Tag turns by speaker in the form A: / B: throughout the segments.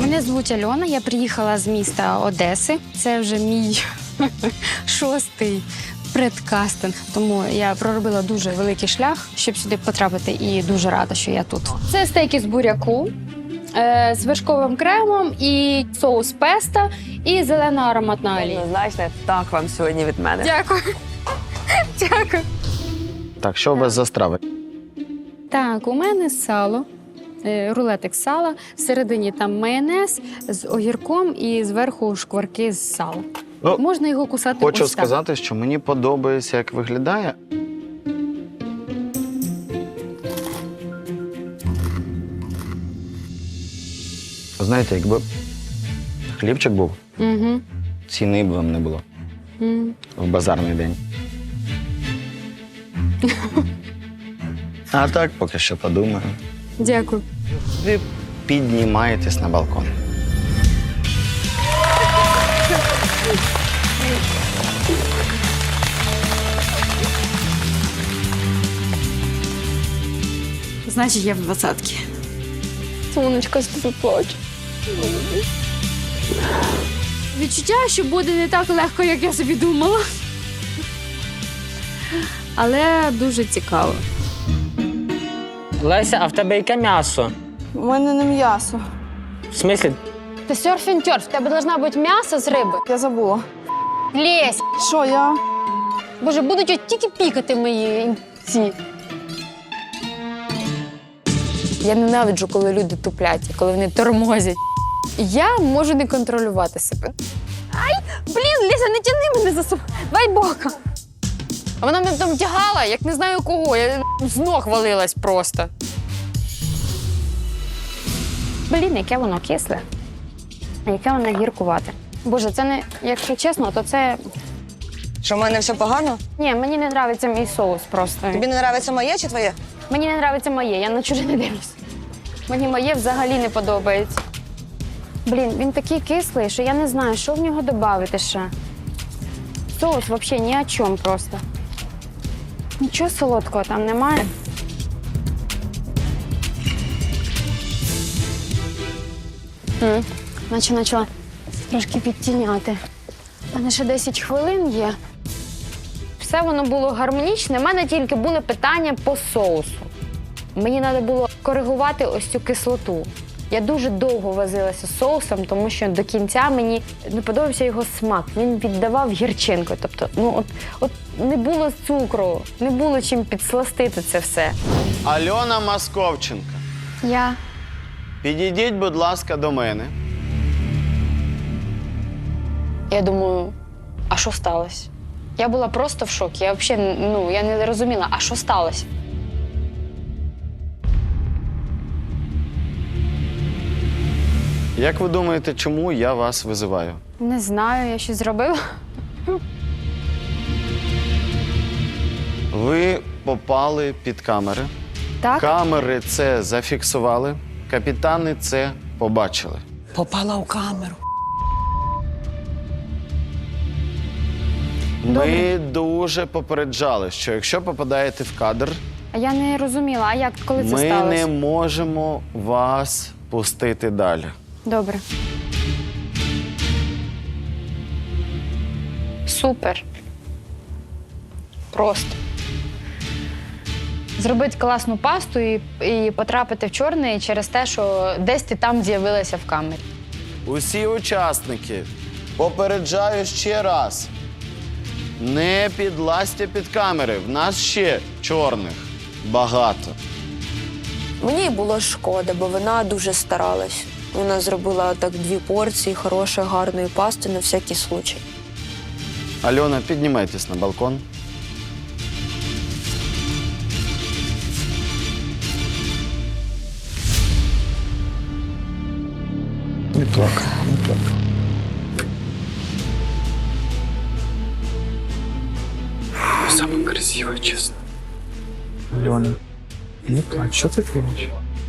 A: Мене звуть Альона, я приїхала з міста Одеси. Це вже мій 6-й предкастинг, тому я проробила дуже великий шлях, щоб сюди потрапити, і дуже рада, що я тут. Це стейки з буряку, з вершковим кремом, і соус песто, і зелена ароматна олія.
B: Однозначно, так вам сьогодні від мене.
A: Дякую. Дякую.
C: Так, що у вас за страви?
A: Так, у мене сало, рулетик сала, всередині там майонез з огірком і зверху шкварки з сала.
C: Ну,
A: Можна його кусати
C: Хочу
A: ось так.
C: сказати, що мені подобається, як виглядає. Знаєте, якби хлібчик був,
A: Угу.
C: ціни б вам не було в базарний день. А так, поки що подумаю.
A: Дякую.
C: Ви піднімаєтесь на балкон.
A: Значить, я в 20-ки. Сонечка, з тобі плачу. Відчуття, що буде не так легко, як я собі думала. Але дуже цікаво.
D: Леся, а в тебе яке м'ясо?
E: У мене не м'ясо.
D: В смислі?
A: Ти серфінг-тьорф, в тебе должна бути м'ясо з риби.
E: Я забула.
A: Лесь!
E: Що я?
A: Боже, будуть от тільки пікати мої ці. Я ненавиджу, коли люди туплять, коли вони тормозять. Я можу не контролювати себе. Ай, блін, Леся, не тяни мене за собою. Давай бока. А вона мене там тягала, як не знаю кого. Я з ног валилась просто. Блін, яке воно кисле. А яке воно гіркувате. Боже, це не, якщо чесно, то це...
B: Що, в мене все погано?
A: Ні, мені не подобається мій соус просто.
B: Тобі не подобається моє чи твоє?
A: Мені не подобається моє, я на чуже не дивлюсь. Мені моє взагалі не подобається. Блін, він такий кислий, що я не знаю, що в нього додати ще. Соус взагалі ні о чому просто. Нічого солодкого там немає. Наче почала трошки підтіняти. У мене ще 10 хвилин є. Все воно було гармонічне. У мене тільки були питання по соусу. Мені треба було коригувати ось цю кислоту. Я дуже довго возилася з соусом, тому що до кінця мені не подобався його смак. Він віддавав гірчинку. Тобто, от не було цукру, не було чим підсластити це все.
C: Альона Московченка,
A: Я
C: підійдіть, будь ласка, до мене.
A: думаю, а що сталося? Я була просто в шокі. Я взагалі я не розуміла, а що сталося?
C: Як ви думаєте, чому я вас визиваю?
A: Не знаю, я щось зробила.
C: Ви попали під камери.
A: Так?
C: Камери це зафіксували, капітани це побачили.
B: Попала у камеру.
C: Ми дуже попереджали, що якщо попадаєте в кадр,
A: А я не розуміла, а як, коли це
C: ми
A: сталося?
C: не можемо вас пустити далі.
A: Добре. Супер. Просто. Зробити класну пасту і потрапити в чорний через те, що десь ти там з'явилася в камері.
C: Усі учасники, попереджаю ще раз. Не підлазьте під камери. В нас ще чорних багато.
F: Мені було шкода, бо вона дуже старалась. Вона зробила так 2 порції хорошої, гарної пасти на всякий случай.
C: Альона, піднімайтесь на балкон.
G: Не плакай, не плакай. Самая красивая, честно. Алена, не плачь, что ты плачешь?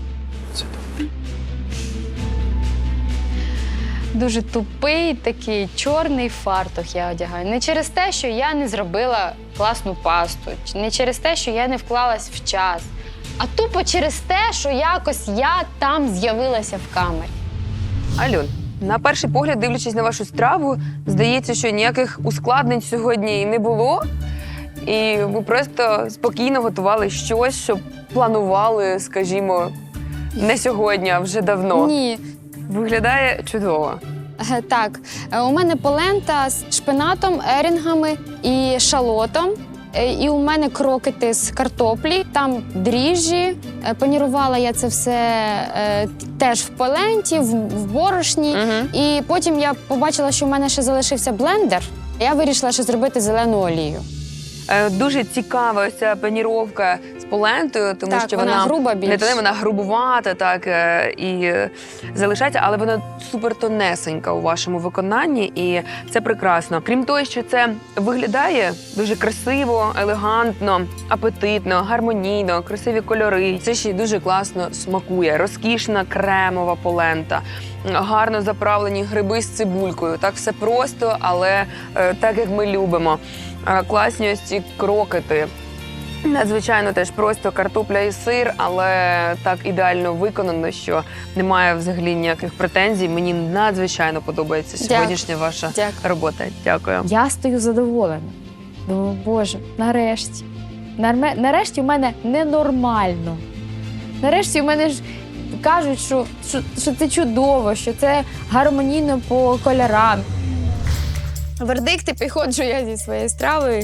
A: Дуже тупий такий чорний фартух я одягаю. Не через те, що я не зробила класну пасту, не через те, що я не вклалась в час, а тупо через те, що якось я там з'явилася в камері.
H: Альон, на перший погляд, дивлячись на вашу страву, здається, що ніяких ускладнень сьогодні не було. І ви просто спокійно готували щось, що планували, скажімо, не сьогодні, а вже давно.
A: Ні.
H: Виглядає чудово.
A: Так, у мене полента з шпинатом, ерінгами і шалотом. І у мене крокети з картоплі, там дріжджі. Панірувала я це все теж в поленті, в борошні. І потім я побачила, що в мене ще залишився блендер. Я вирішила ще зробити зелену олію.
H: Дуже цікава ось ця паніровка з полентою, тому
A: Так,
H: що
A: вона груба
H: не
A: більш.
H: те, вона грубувата, так, і залишається, але вона супер тонесенька у вашому виконанні, і це прекрасно. Крім того, що це виглядає дуже красиво, елегантно, апетитно, гармонійно, красиві кольори. Це ще й дуже класно смакує. Розкішна кремова полента, гарно заправлені гриби з цибулькою. Так все просто, але так, як ми любимо. Класні ось ці крокети. Надзвичайно теж просто картопля і сир, але так ідеально виконано, що немає взагалі ніяких претензій. Мені надзвичайно подобається сьогоднішня ваша робота. Дякую.
A: Я стою задоволена. Думаю, Боже, нарешті. Нарешті в мене ненормально. Нарешті в мене ж кажуть, що це чудово, що це гармонійно по кольорам. Вердикти, підходжу я зі своєю стравою.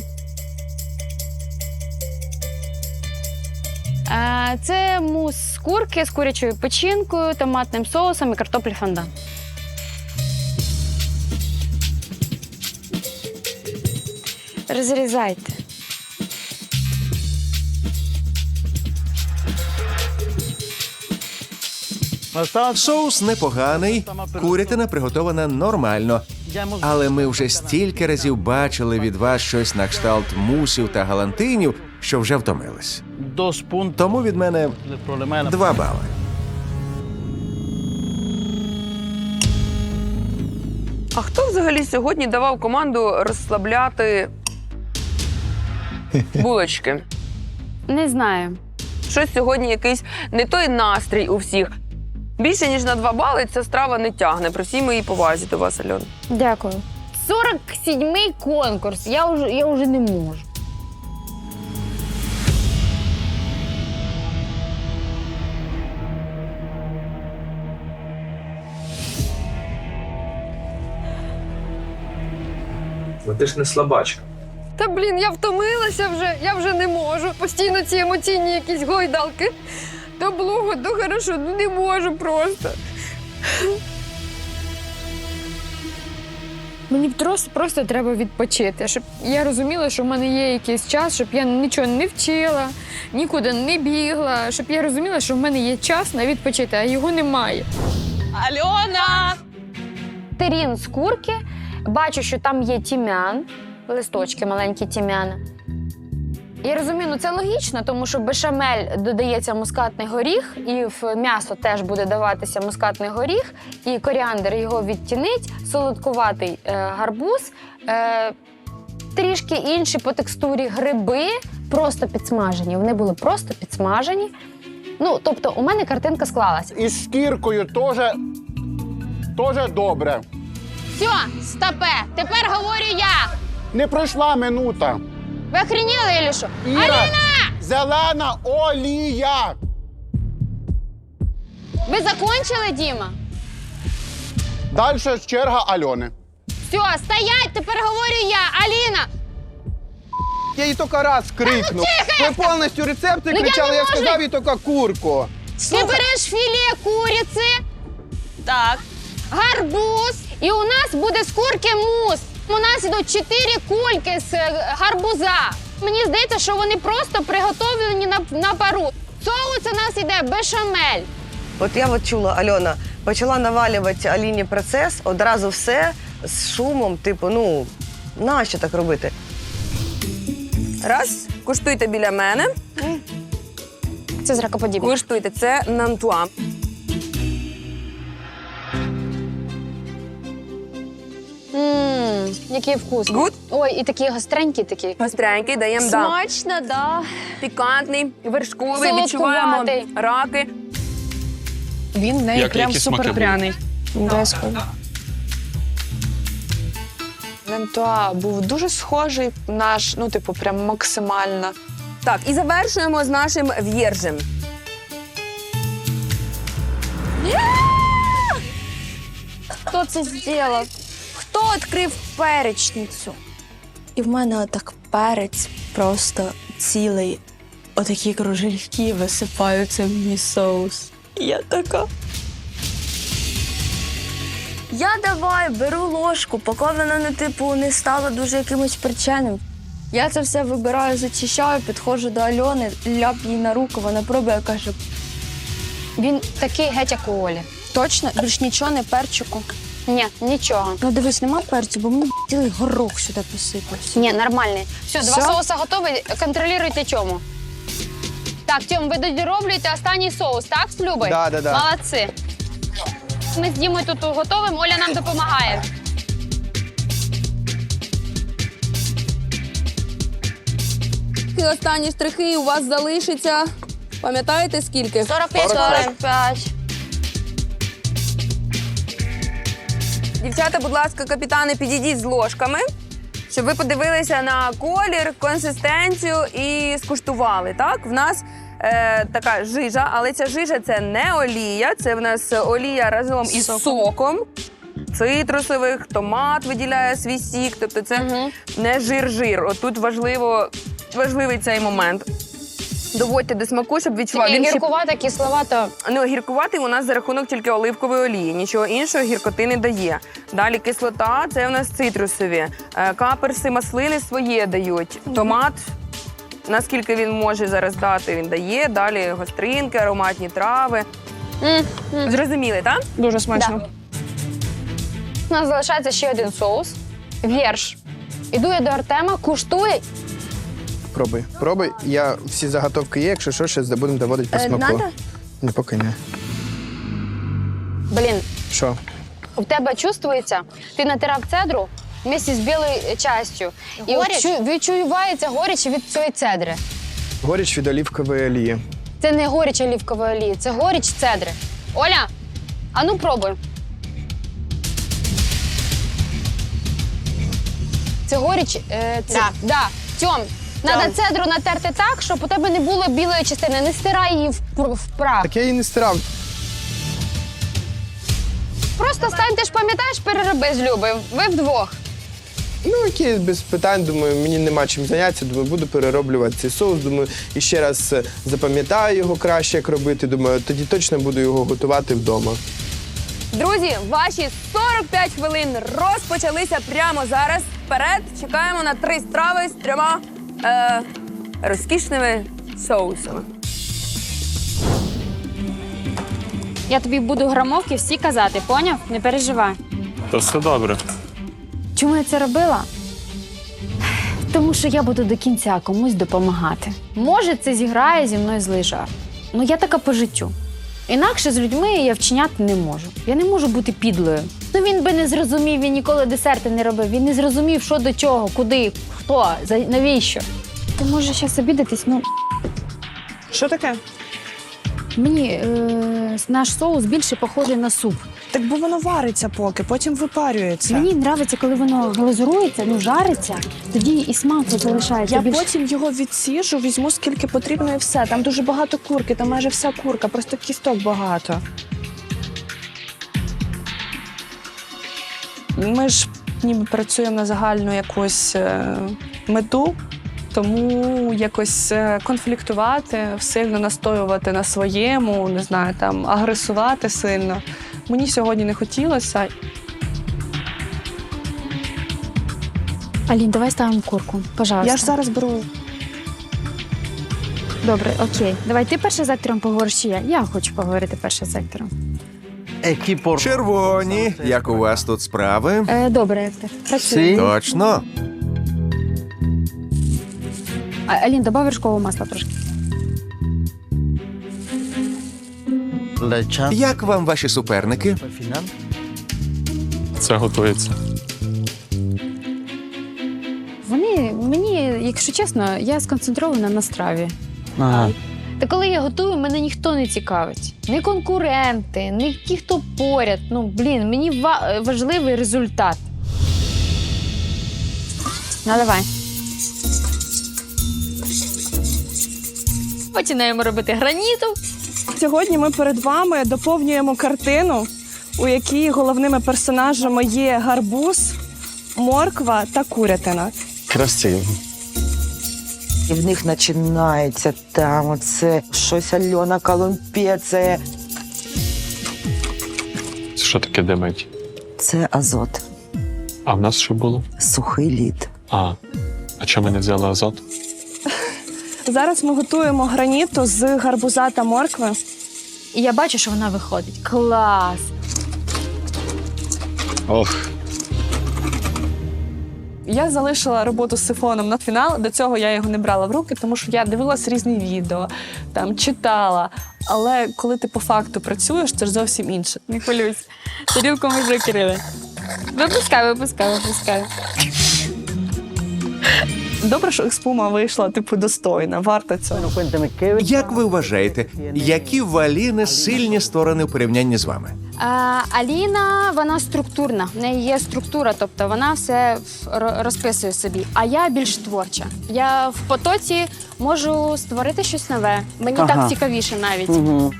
A: Це мус з курки з курячою печінкою, томатним соусом і картоплі фондан. Розрізайте.
I: Соус непоганий, курятина приготована нормально. Але ми вже стільки разів бачили від вас щось на кшталт мусів та галантинів, що вже втомились. Тому від мене 2 бали.
H: А хто взагалі сьогодні давав команду розслабляти булочки?
A: Не знаю.
H: Щось сьогодні якийсь не той настрій у всіх. Більше, ніж на 2 бали ця страва не тягне. При всій моїй повазі до вас, Альон.
A: Дякую. 47-й конкурс. Я вже не можу.
G: Ти ж не слабачка.
F: Та блін, я втомилася вже, я вже не можу. Постійно ці емоційні якісь гойдалки. То блуго, то хорошо, ну не можу просто. Мені просто треба відпочити, щоб я розуміла, що в мене є якийсь час, щоб я нічого не вчила, нікуди не бігла, щоб я розуміла, що в мене є час на відпочити, а його немає.
E: Альона!
A: Терін з курки. Бачу, що там є тім'ян, листочки маленькі тім'яна. Я розумію, ну це логічно, тому що в бешамель додається мускатний горіх, і в м'ясо теж буде даватися мускатний горіх, і коріандр його відтінить, солодкуватий гарбуз, трішки інші по текстурі гриби, просто підсмажені. Вони були просто підсмажені. Ну, тобто у мене картинка склалась.
J: І з шкіркою теж добре.
A: Все, стопе, тепер говорю я.
J: Не пройшла минута.
A: Ви охреніли, Ілі що?
J: Іра,
A: Аліна!
J: зелена олія.
A: Ви закончили, Діма?
J: Далі черга Альони.
A: Все, стоять, тепер говорю я. Аліна!
K: Я їй тільки раз крикнув. Ви повністю рецепти
A: Ну,
K: кричали, я
A: можу.
K: сказав їй тільки курку.
A: Ти береш філе куриці,
E: Так.
A: гарбуз, і у нас буде з курки мус. У нас ідуть 4 кульки з гарбуза. Мені здається, що вони просто приготовлені на пару. Соус у нас іде бешамель.
B: От я чула, Альона, почала навалювати Аліні процес, одразу все з шумом, типу, ну, нащо так робити?
H: Раз, куштуйте біля мене.
A: Це зракоподібне.
H: Куштуйте, це нантуа.
A: Який вкус.
H: Good?
A: Ой, і такі гостренькі такі.
H: Гостренький, даємо,
A: Смачно, да.
H: пікантний, вершковий,
A: Солодкуватий.
H: відчуваємо раки.
E: Він в неї прям супер пряний. Обов'язково. Лемтуа був дуже схожий наш, ну, типу, прям максимально.
H: Так, і завершуємо з нашим в'єржем.
A: Хто це зробив? Хто відкрив перечницю?
L: І в мене отак перець просто цілий. Отакі кружельки висипаються в мій соус. І я така. Я давай беру ложку, поки вона не стала дуже якимось причинним. Я це все вибираю, зачищаю, підходжу до Альони, ляп їй на руку, вона пробує, каже,
A: Він такий геть, як у Олі.
L: точно, більш нічого не перчику.
A: Ні, нічого.
L: Ну дивись, нема перцю, бо мені цілий горох сюди посипався.
A: Ні, нормальний. Все, два
L: Все?
A: соуса готові, контролюйте Тьому. Так, Тьом, ви дороблюєте останній соус, так, з Любою?
K: Да.
A: Молодці. Ми з Дімою тут готовимо, Оля нам допомагає.
H: І останні штрихи у вас залишиться. Пам'ятаєте, скільки?
A: 45.
H: Дівчата, будь ласка, капітани, підійдіть з ложками, щоб ви подивилися на колір, консистенцію і скуштували. Так, в нас така жижа, але ця жижа – це не олія, це в нас олія разом із соком цитрусових, томат виділяє свій сік, тобто це не жир-жир. Отут важливий цей момент. Доводьте до смаку, щоб відчував. Він ще-
A: Гіркувата, кисловата.
H: Ну, гіркуватий у нас за рахунок тільки оливкової олії. Нічого іншого гіркоти не дає. Далі кислота – це у нас цитрусові. Каперси, маслини своє дають. Томат, наскільки він може зараз дати, він дає. Далі гостринки, ароматні трави. Зрозуміли, так?
E: Дуже смачно.
A: Да. У нас залишається ще один соус. Вірш. Іду я до Артема, куштує.
K: Пробуй. Я всі заготовки є, якщо що, ще будемо доводити по смаку.
L: Надо?
K: Ні, поки не.
A: Блін,
K: Що?
A: у тебе чувствується, ти натирав цедру вместе з білою частю. І відчувається горіч від цієї цедри.
K: Горіч від олівкової олії.
A: Це не горіч олівкової олії, це горіч цедри. Оля, а ну пробуй. Це горіч. Да. Тьом, треба цедру натерти так, щоб у тебе не було білої частини. Не стирай її в прах.
K: Так я її не стирав.
A: Просто стань, ти ж пам'ятаєш, перероби з Любою. Ви вдвох.
K: Ну, окей, без питань, думаю, мені нема чим зайнятися, думаю, буду перероблювати цей соус, думаю, і ще раз запам'ятаю його краще, як робити, думаю, тоді точно буду його готувати вдома.
H: Друзі, ваші 45 хвилин розпочалися прямо зараз. Вперед, чекаємо на 3 страви з 3 розкішними соусами.
F: Я тобі буду грамовки всі казати, поняв? Не переживай.
G: То все добре.
A: Чому я це робила? Тому що я буду до кінця комусь допомагати. Може, це зіграє зі мною злий жарт. Ну, я така по життю. Інакше з людьми я вчиняти не можу. Я не можу бути підлою. Ну, він би не зрозумів, він ніколи десерти не робив. Він не зрозумів, що до чого, куди, хто, навіщо. Ти можеш зараз обідатись, ну...
E: Що таке?
A: Мені наш соус більше похожий на суп.
E: Так бо воно вариться поки, потім випарюється.
A: Мені подобається, коли воно глазурується, ну жариться, тоді і смак залишається.
E: Я
A: більше.
E: потім його відсіжу, візьму скільки потрібно і все. Там дуже багато курки, там майже вся курка, просто кісток багато. Ми ж ніби працюємо на загальну якусь мету, тому якось конфліктувати, сильно настоювати на своєму, не знаю, там агресувати сильно. Мені сьогодні не хотілося.
A: Алін, давай ставимо курку, пожалуйста.
E: Я ж зараз беру.
A: Добре, окей. Давай ти першим сектором поговориш, чи я? Я хочу поговорити першим сектором.
I: Червоні, як у вас тут справи?
A: Добре, Ектор. Працюємо.
I: Точно.
A: Алін, добав вершкового масла трошки.
I: Як вам ваші суперники?
G: Це готується.
A: Вони, мені, якщо чесно, я сконцентрована на страві. Та коли я готую, мене ніхто не цікавить. Ні конкуренти, ні ті, хто поряд. Мені важливий результат. Наливай. Починаємо робити граніту.
E: Сьогодні ми перед вами доповнюємо картину, у якій головними персонажами є гарбуз, морква та курятина.
C: Красиво.
M: І в них починається там оце щось Альона колумпеція.
G: Це що таке димить?
M: Це азот,
G: А в нас що було?
M: сухий лід.
G: А чому ми не взяли азот?
E: Зараз ми готуємо граніту з гарбуза та моркви.
A: І я бачу, що вона виходить. Клас!
C: Ох.
E: Я залишила роботу з сифоном на фінал. До цього я його не брала в руки, тому що я дивилась різні відео, там читала. Але коли ти по факту працюєш, це ж зовсім інше.
A: Не хвилюйся. Тарілку ми закрили. Випускай.
E: Добре, що експума вийшла, достойна, варта цього.
I: Як ви вважаєте, які в Аліни сильні сторони в порівнянні з вами?
A: Аліна, вона структурна. В неї є структура, тобто вона все розписує собі. А я більш творча. Я в потоці можу створити щось нове. Мені так цікавіше навіть.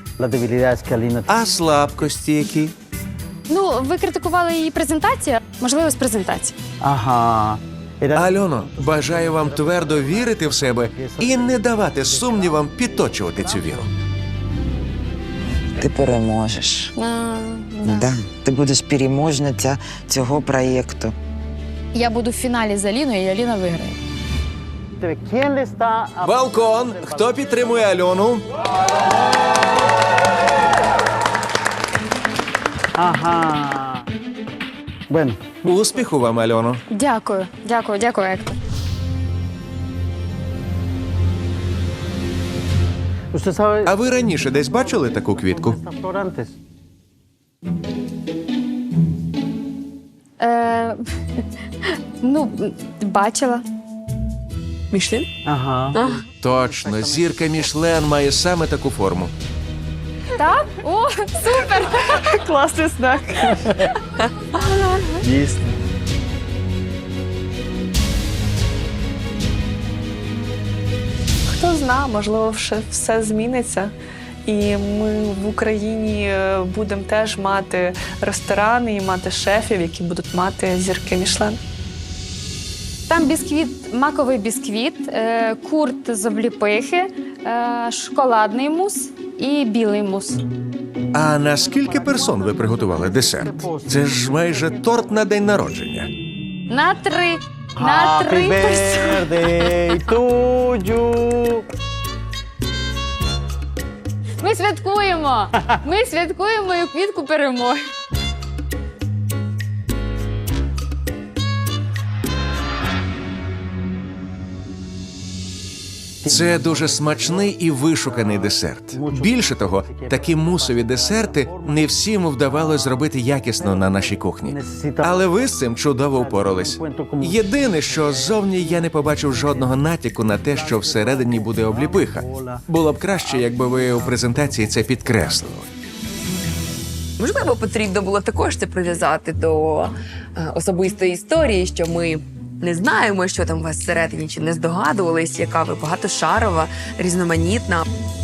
I: А слабкості які?
A: Ви критикували її презентацію. Можливо, з презентації.
I: Альоно, бажаю вам твердо вірити в себе і не давати сумнівам підточувати цю віру.
M: Ти переможеш. Да. Ти будеш переможниця цього проєкту.
A: Я буду в фіналі з Аліною, і Аліна виграє.
I: Балкон! Хто підтримує Альону? Успіху вам, Альоно.
A: Дякую, Ектор.
I: А ви раніше десь бачили таку квітку?
A: Бачила.
E: Мішлін?
I: Точно, зірка Мішлен має саме таку форму.
A: Так? О, супер!
E: Класний знак.
C: Дійсно.
E: Хто знає, можливо, все зміниться. І ми в Україні будемо теж мати ресторани і мати шефів, які будуть мати зірки Мішлен.
A: Там бісквіт, маковий бісквіт, курт з обліпихи, шоколадний мус і білий мус.
I: А на скільки персон ви приготували десерт? Це ж майже торт на день народження.
A: На 3. На 3 персони. Ми святкуємо! Ми святкуємо мою квітку перемоги.
I: Це дуже смачний і вишуканий десерт. Більше того, такі мусові десерти не всім вдавалося зробити якісно на нашій кухні. Але ви з цим чудово впорались. Єдине, що ззовні я не побачив жодного натяку на те, що всередині буде обліпиха. Було б краще, якби ви у презентації це підкреслили.
H: Можливо, потрібно було також це прив'язати до особистої історії, що ми не знаємо, що там у вас всередині, чи не здогадувались, яка ви багатошарова, різноманітна.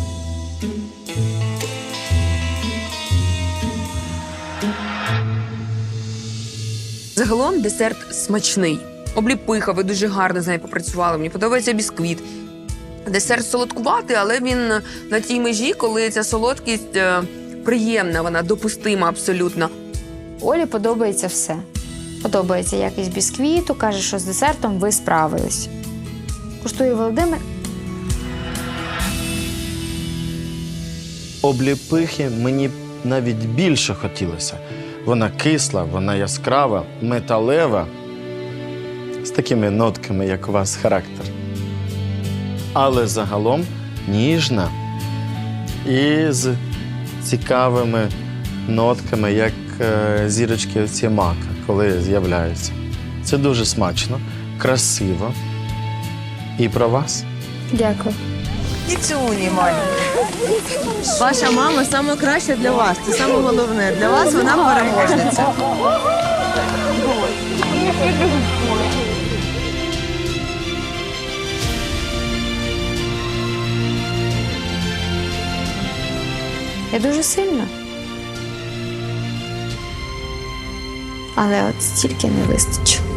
H: Загалом десерт смачний. Обліпиха, ви дуже гарно з нею попрацювали. Мені подобається бісквіт. Десерт солодкуватий, але він на тій межі, коли ця солодкість приємна, вона допустима абсолютно.
A: Олі подобається все. Подобається якість бісквіту, каже, що з десертом ви справились. Куштує Володимир.
C: Обліпихи мені навіть більше хотілося. Вона кисла, вона яскрава, металева, з такими нотками, як у вас характер. Але загалом ніжна і з цікавими нотками, як зірочки ці мака, коли з'являються. Це дуже смачно, красиво. І про вас.
A: Дякую.
M: І цю, Маленька.
B: Ваша мама саме краще для вас. Це саме головне. Для вас вона переможниця.
A: Я дуже сильна. Але от стільки не вистачило.